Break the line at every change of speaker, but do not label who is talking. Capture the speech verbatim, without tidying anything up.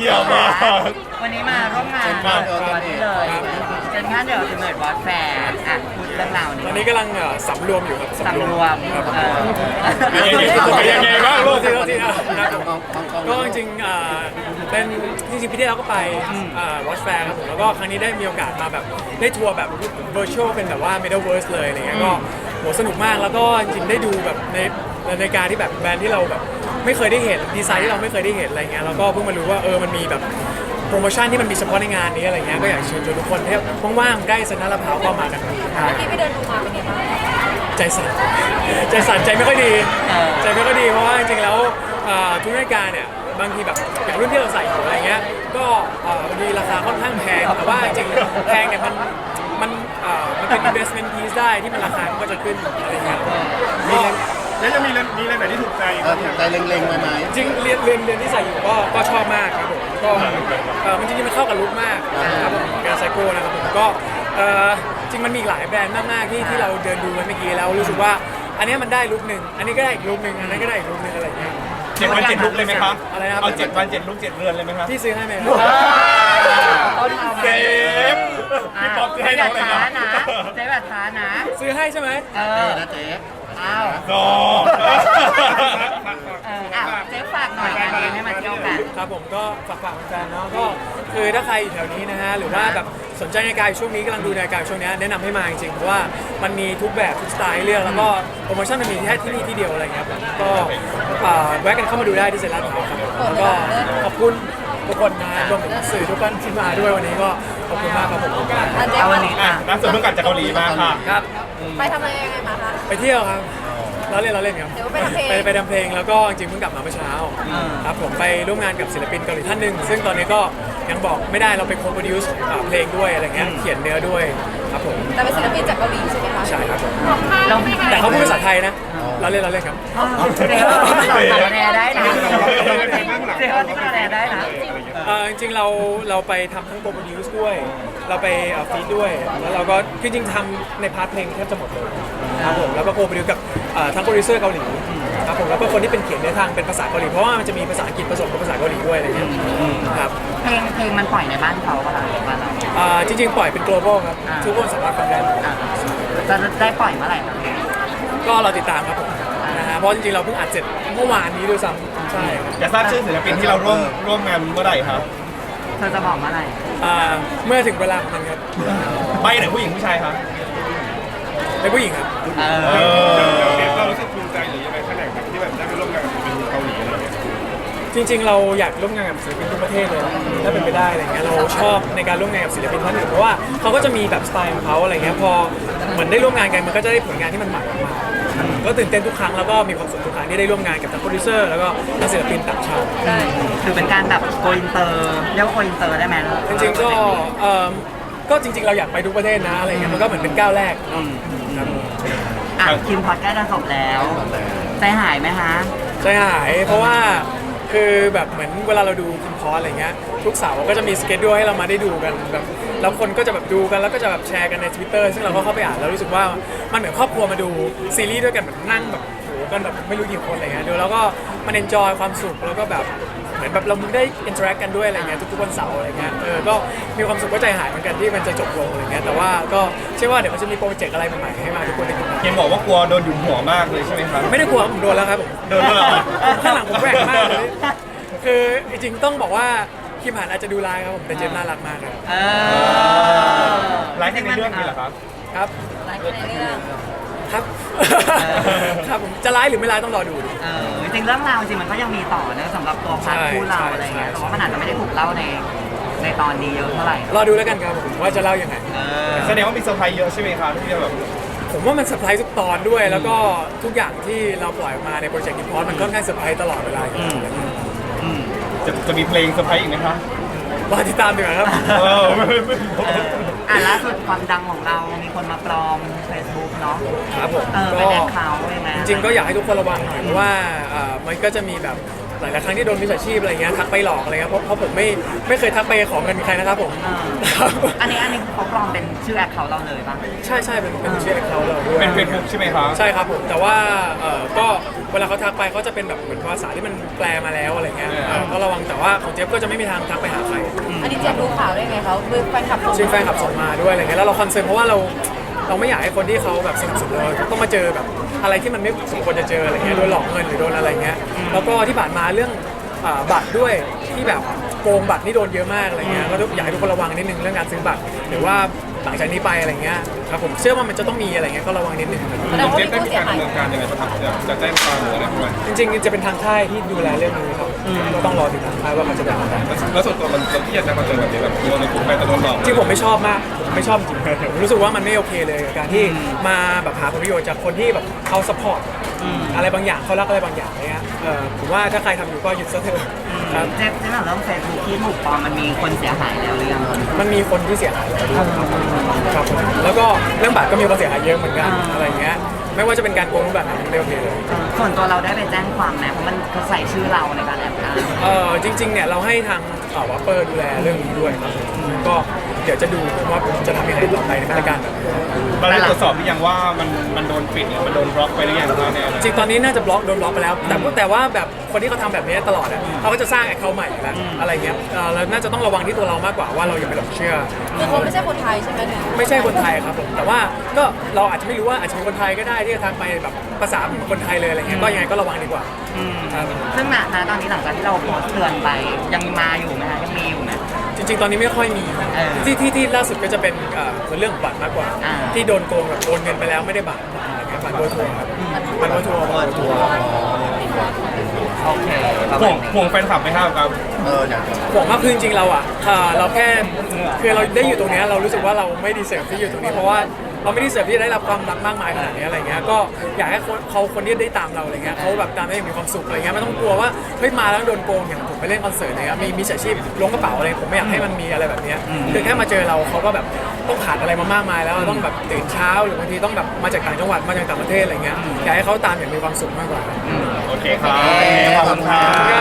เยี่ยมมาก
วันนี้มาร่วมงานเปิดตัวนี้เลยเจนงานเดี๋ยวจะเปิดวอตแฟร์อ่ะพูดเรื่องราวนี้
ตอนนี้กำลังเอ่อสำรวมอยู่ครับ
สำรวม
ครับ
เออ
เป็นยังไงบ้างโลกที่เราที่นะครับก็จริงๆอ่าเป็นจริงๆพี่ที่เราก็ไปวอชแฟร์ครับผมแล้วก็ครั้งนี้ได้มีโอกาสมาแบบได้ทัวร์แบบ virtual เป็นแบบว่า metaverse เลยอะไรเงี้ยก็โหสนุกมากแล้วก็จริงๆได้ดูแบบในในการที่แบบแบรนด์ที่เราแบบไม่เคยได้เห็นดีไซน์ที่เราไม่เคยได้เห็นอะไรเงี้ยแล้วก็เพิ่งมารู้ว่าเออมันมีแบบโปรโมชั่นที่มันมีเฉพาะในงานนี้อะไรเงี้ยก็อยากเชิญชวนทุกคนที่ว่างๆใกล้เซ็นทรัลลาดพร้าวก็มากัน
เมื่อกี้ไปเดินดูมาเป็นไงบ้าง
ใจสั่นใจสั่นใจไม่ค่อยดีใจไม่ค่อยดีเพราะว่าจริงๆแล้วอ่าทุกรายการเนี่ยบางทีแบบอย่างรุ่นที่เราใส่อยู่อะไรเงี้ยก็อ่าบางทีราคาค่อนข้างแพงแต่ว่าจริงๆแพงเนี่ยมันมันอ่ามันเป็น investment piece ได้ที่มันราคามันก็จะขึ้นอะไรเงี้ย
มีแล้วยังมีเรื่องมีเรื่องไหนที่ถูกใจ
เออถูกใจเล็งๆไว้ไหม
จริงเรียนเรียนเรียนที่ใส่อยู่ก็ก็ชอบมากครับผมก็เออมันจริงๆมันเข้ากับลุคมากครับผมการไซโก้นะครับผมก็เออจริงมันมีอีกหลายแบรนด์มากๆที่ที่เราเดินดูกันเมื่อกี้แล้วรู้สึกว่าอันนี้มันได้ลุคหนึ่งอันนี้ก็ได้อีกลุคหนึ่งอันนั้นก็ได้อีกลุคหนึ่งอะไรเงี้ย
เจ็ดวันเจ็ดลุกเลยไหมครับ
อะไรนะครับ
เอาเจ็ดวันเจ็ดลุกเจ็ดเรือนเลยไหมครับ
พี่ซื้อให้ไหม
ต้นเอามา
เซฟพี่ป๊อปจะให้
เจ๊
น้
แบ
อง
บ
เลย
ช้า
นะ
นะเจ๊แบบช้านะ
ซื้อให้ใช่ไหม
เอ
เอ
อ
อนะเจ๊
อ้าว
ก็
เอออ่ะเจ๊ฝากหน่อยงานนี้ให้มาเที่ยวกัน
ครับผมก็ฝากฝากแฟนๆเนาะก็คือถ้าใครอยู่แถวนี้นะฮะหรือว่าแบบสนใจในการช่วงนี้กำลังดูในการช่วงนี้แนะนำให้มาจริงๆเพราะว่ามันมีทุกแบบทุกสไตล์ให้เลือกแล้วก็โปรโมชั่นมันมีแค่ที่นี่ที่เดียวอะไรเงี้ยครับก็อ่าแวะกันเข้ามาดูได้ที่เซ็นทรัลลาดพร้าวครับแล้วก็ขอบคุณทุกคนนะรวมถึงสื่อทุกคนที่มาด้วยวันนี้ก็ขอบคุณมากครับผม
เอาวันนี้
อ่ะ
อ่ะ
ล่าสุดเพิ่งกลับจากเกาหลีมาค่ะ
ครับ
ไปทำอะไรยังไงมาคะ
ไปเที่ยวครับเราเล่นเราเล่นครับ
เดี๋ยวไปทำเพลง
ไปไปทำเพลงแล้วก็จริงๆเพิ่งกลับมาเมื่อเช้าครับผมไปร่วมงานกับศิลปินเกาหลีท่านหนึ่งซึ่งตอนนี้ก็ยังบอกไม่ได้เราเป็นโคโปรดิวซ์เพลงด้วยอะไรเงี้ยเขียนเนื้อด้วยครับผม
แต่เป็นศิลปินจากเกาหลีใช่ไหมคะ
ใช่ครับผม
เรา
แต่เขาพูดภาษาไทยนะเราเล่นเราเล่นครับ
เจ๊ว่าสอนแนได้นะเจ๊ว่าที่แนได้นะ
เอ่อจริงๆเราเราไปทำทั้งโปรดิวซ์ด้วย เราไปฟีดด้วยแล้วเราก็คือจริงๆทำในพาร์ทเพลงแทบจะหมดเลยครับผมแล้วก็โปรดิวกับเอ่อทั้งโปรดิวเซอร์เกาหลีครับผมแล้วก็คนที่เป็นเขียนเนื้อทางเป็นภาษาเกาหลีเพราะว่ามันจะมีภาษาอังกฤษผสมกับภาษาเกาหลีด้วยอะไรเงี้ยครับ
เพลงเพลงมันปล่อยในบ้านเขาป่ะคะหรือบ้านเรา
อ่าจริงๆปล่อยเป็น global ครับทุกคนสามารถฟังได้
อ่ะจะได้ปล่อยเมื่อไหร่ครับ
ก็เราติดตามครับผมนะฮะเพราะจริงๆเราเพิ่งอัดเสร็จเมื่อวานนี้ด้วยซ้ำใช่ครับ
อยากทราบชื่อศิลปินที่เราร่วมร่วมงานเมื่อไหร่ครับ
เธอจะบอกเมื่อไหร่
อ่าเมื่อถึงเวลาของมันครับ
ใบไหนผู้หญิงผู้ชายครับ
เป็นผู้หญิงครับ
เอ
เอ
อ
อ
เรารู้สึกภูมิใจหรือยังไงแค่ไหนครับที่แบบได้ไปร่วมงานกับศิลปินเกาหลีอะไรเงี้ย
จริงๆ เราอยากร่วมงานกับศิลปินทุกประเทศเลยถ้าเป็นไปได้อะไรเงี้ยเราชอบในการร่วมงานกับศิลปินท่านอื่นเพราะว่าเขาก็จะมีแบบสไตล์ของเขาอะไรเงี้ยพอเหมือนได้ร่วมงานกันมันก็จะได้ผลงานที่มันใหม่ออกมาก็ตื่นเต้นทุกครั้งแล้วก็มีความสุขทุกครั้งที่ได้ร่วมงานกับทั้งโปรดิวเซอร์แล้วก็ทั้งศิลปินต่างชาติ
คือเป็นการแบบโกอินเตอร์เรียกว่าโกอินเตอร์ได้ไหม
จริงๆก็เอ่อก็จริงๆ เราอยากไปทุกประเทศนะอะไรเงี้ยมันก็เหมือนเป็นก้าวแรกครับ
อ่ะคิมพอดใกล้จะจบแล้วใจหายไหมคะ
ใจหายเพราะว่าคือแบบเหมือนเวลาเราดูคิมพอสอะไรเงี้ยทุกเสาร์ก็จะมีสเกจด้วยให้เรามาได้ดูกันแบบแล้วคนก็จะแบบดูกันแล้วก็จะแบบแชร์กันใน Twitter ซึ่งเราก็เข้าไปอ่านแล้วรู้สึกว่ามันเหมือนครอบครัวมาดูซีรีส์ด้วยกันแบบนั่งแบบโหกันแบบไม่รู้กี่คนอะไรเงี้ยดูแล้วก็มันเอนจอยความสุขแล้วก็แบบเหมือนแบบเราได้อินเทอร์แอคกันด้วยอะไรเงี้ยทุกๆวันเสาร์อะไรเงี้ยเออก็มีความสุขก็ใจหายเหมือนกันที่มันจะจบลงอะไรเงี้ยแต่ว่าก็เชื่อว่าเดี๋ยวมันจะมีโปรเจกต์อะไรใหม่ๆให้มาทุกคนได้ติดตาม
เห็นบอกว่ากลัวโดนหยุมหัวมากเลยใช่ไหมครับ
ไม่ได้กลัวผมโดนแล้วครับผม
โดนด้วยเหรอ
ข้างหลังผมแหวกมากเลย คือจริงๆต้องบอกว่าคิมหันอาจจะดูร้ายครับผมแต่เจมส์น่ารักมากครับ
เออ
ไลฟ์ในเรื่องนี้เหรอครับ
ครับ
หลายคนในเรื่อง
ครับ ครับผมจะร้ายหรือไม่ร้ายต้องรอดู
เออจริงๆเรื่องราวจริงมันก็ยังมีต่อนะสำหรับตัวพาร์ทคู่เราอะไรเงี้ยแต่ว่ามันอาจจะไม่ได้ถูกเล่าในในตอนนี้เยอะเท่าไหร่
รอดูแล้วกันครับผมว่าจะเล่ายังไง
เออ
แสดงว่ามีเซอร์ไพรส์เยอะใช่ไหมครับที่แบบ
ผมว่ามันเซอร์ไพรส์ทุกตอนด้วย แล้วก็ทุกอย่างที่เราปล่อยออกมาในโปรเจกต์คิมพอสมันค่อนข้างเซอร์ไพรส์ตลอดเวลาอยู่แล้ว
อืม
จะจะมีเพลงเซอร์ไพรส์อีกไหมครับ
รอติดตามดีกว่าครับ
เออไม่ไม่ไม่
เอออ่ะล่าสุดความดังของเรามีคนมาปลอม Facebook เนาะ
ครับผม
เออเป็นแอคเคาท์ยังไง
จริงๆก็อยากให้ทุกคนระวังหน่อยเพราะว่าเอ่อมันก็จะมีแบบหลายๆครั้งที่โดนมิจฉาชีพอะไรเงี้ยทักไปหลอกอะไรเงี้ยเพราะเพราะผมไม่ไม่เคยทักไปขอเงินใครนะครับผม
อ่าอันนี้อันนี้เขาปลอมเป็นชื่อแอคเคาท์เราเลยป่ะ
ใช่ใช่เป็นเป็นชื่อเขาเราด้วย
เป็นเฟซบุ๊กใช่ไหมคะ
ใช่ครับผมแต่ว่าเออก็เวลาเขาทักไปเขาจะเป็นแบบเหมือนภาษาที่มันแปลมาแล้วอะไรเงี้ยเออก็ระวังแต่ว่าของเจี๊ยบก็จะไม่มีทางทักไปหาใคร
อันนี้เจ็บดูข่าวได้ไงเขาคือแฟนคลับส่ง
ซึ่งแฟนคลับส่งมาด้วยอะไรเงี้ยแล้วเราคอนเซิร์นเพราะว่าเราเราไม่อยากให้คนที่เขาแบบสนิทสุดเราต้องมาเจอแบบอะไรที่มันไม่สมควรจะเจออะไรเงี้ยโดนหลอกเงินหรือโดนอะไรเงี้ยแล้วก็ที่ผ่านมาเรื่องอ่าบัตรด้วยที่แบบโกงบัตรนี่โดนเยอะมากอะไรเงี้ยก็อยากให้ทุกคนระวังนิดนึงเรื่องการซื้อบัตรหรือว่าหลังจากนี้ไปอะไรเงี้ยครับผมเชื่อว่ามันจะต้องมีอะไรเงี้ยก็ระวังนิดนึง
แสดงว่า
เจ๊
มี
ได้
ผู้
มี
เสีย
การ
หาย
ดำเนินการยังไงบ้างครับจะจะแจ้งความหรืออะไรประมาณ
จริงๆจะเป็นทางค่ายที่ดูแลเรื่องนี้ครับก็ต้องรอถึงทางค่ายว่าเขาจะทำอะไร
แล้วส่วนตัวมันเราที่อยากจะมาเจอแบบนี้แบบโดนในกลุ่มไปแต่โดนหลอก
จริงผมไม่ชอบมากผมไม่ชอบจริงผมรู้สึกว่ามันไม่โอเคเลยกับการที่มาแบบหาผลประโยชน์จากคนที่แบบเขาสปอร์ตอะไรบางอย่างเขารักอะไรบางอย่างเนี่ยเออผมว่าถ้าใครทำอยู่ก็หยุดซะเถอะครับ
เจ๊เจ๊ถามเรื่องเฟซบุ๊กที่ถูกปลอมมันมีคนเสียหายแล้วหรือยังครับ
มันมีคนที่เสียหายแล้วด้วยครับครับผมแล้วก็เรื่องบัตรก็มีคนเสียหายเยอะเหมือนกัน
อ่า
อะไรเงี้ยไม่ว่าจะเป็นการโกงรูปแบบไหนไม่โอเคเลย
ส่วนตัวเราได้ไปแจ้งความไหมเพราะมันเขาใส่ชื่อเราในการแอบอ้าง
เออจริงๆเนี่ยเราให้ทางเอ่อวัปเปอร์ดูแลเรื่องนี้ด้วยครับก็เดี๋ยวจะดูว่าผมจะทำยังไงต่อไปในมาตรการแบบนี้
เราได้ตรวจสอบหรือยังว่ามันมันโดนปิดหรือมันโดนบล็อกไปหรือยังครับเนี่ย
จริงตอนนี้น่าจะบล็อกโดนบล็อกไปแล้ว แต่แต่ว่าแบบคนที่เขาทำแบบนี้ตลอดอะเขาก็จะสร้างแอคเคาท์ใหม่อยู่แล้วอะไรเงี้ยเอ่อเราน่าจะต้องระวังที่ตัวเรามากกว่าว่าเราอย่าไปหลงเชื่อ
คือเขาไม่ใช่คนไทยใช่ไหมถึง
ไม่ใช่คนไทยครับผมแต่ว่าก็เราอาจจะไม่รู้ว่าอาจจะเป็นคนไทยก็ได้ที่จะทำไปแบบภาษาเหมือนคนไทยเลยอะไรเงี้ยก็ยังไงก็ระวังดีกว่าครับ
ซึ่งณณตอนนี้หลังจากที่เราโพสต์เตือนไปยังมาอยู่ไหมคะยังมีอยู่ไหม
จริงๆ ตอนนี้ไม่ค่อยมี
เออ
ที่ที่ที่ล่าสุดก็จะเป็นเอ่อเรื่องของบัตรมากกว่า
อ่า
ที่โดนโกงแบบโอนเงินไปแล้วไม่ได้บัตรอะไรเงี้ยบัตรโดนทัวร์ครับบัตรโดนทัวร์บัตรโดนทัวร์
โอเคประ
ห่
มาว ณ
ง
นี้
ห่วงแฟนคลับไหมครับครับ
ห่วงมากคือจริงๆเราอ่ะเอ่อเราแค่คือเราได้อยู่ตรงเนี้ยเรารู้สึกว่าเราไม่ดีเสิร์ฟที่อยู่ตรงนี้เพราะว่าเราไม่ดีเสิร์ฟที่จะได้รับความรักมากมายขนาดนี้อะไรเงี้ยก็อยากให้คนเขาคนที่ได้ตามเราอะไรเงี้ยเขาแบบตามได้อย่างมีความสุขอะไรเงี้ยไม่ต้องกลัวว่าเฮ้ยมาแล้วโดนโกงอย่างผมไปเล่นคอนเสิร์ตอะไรเงี้ยมีมีอาชีพล้วงกระเป๋าอะไรผมไม่อยากให้มันมีอะไรแบบเนี้ยคือแค่มาเจอเราเขาก็แบบต้องขาดอะไรมามากมายแล้วต้องแบบตื่นเช้าหรือบางทีต้องแบบมาจากต่างจังหวัดมาจากต่างประเทศอะไรเงี้ยอยากให้เขาตามอย่างมีความสุขมากกว่า
โอเคครับขอบคุณครับ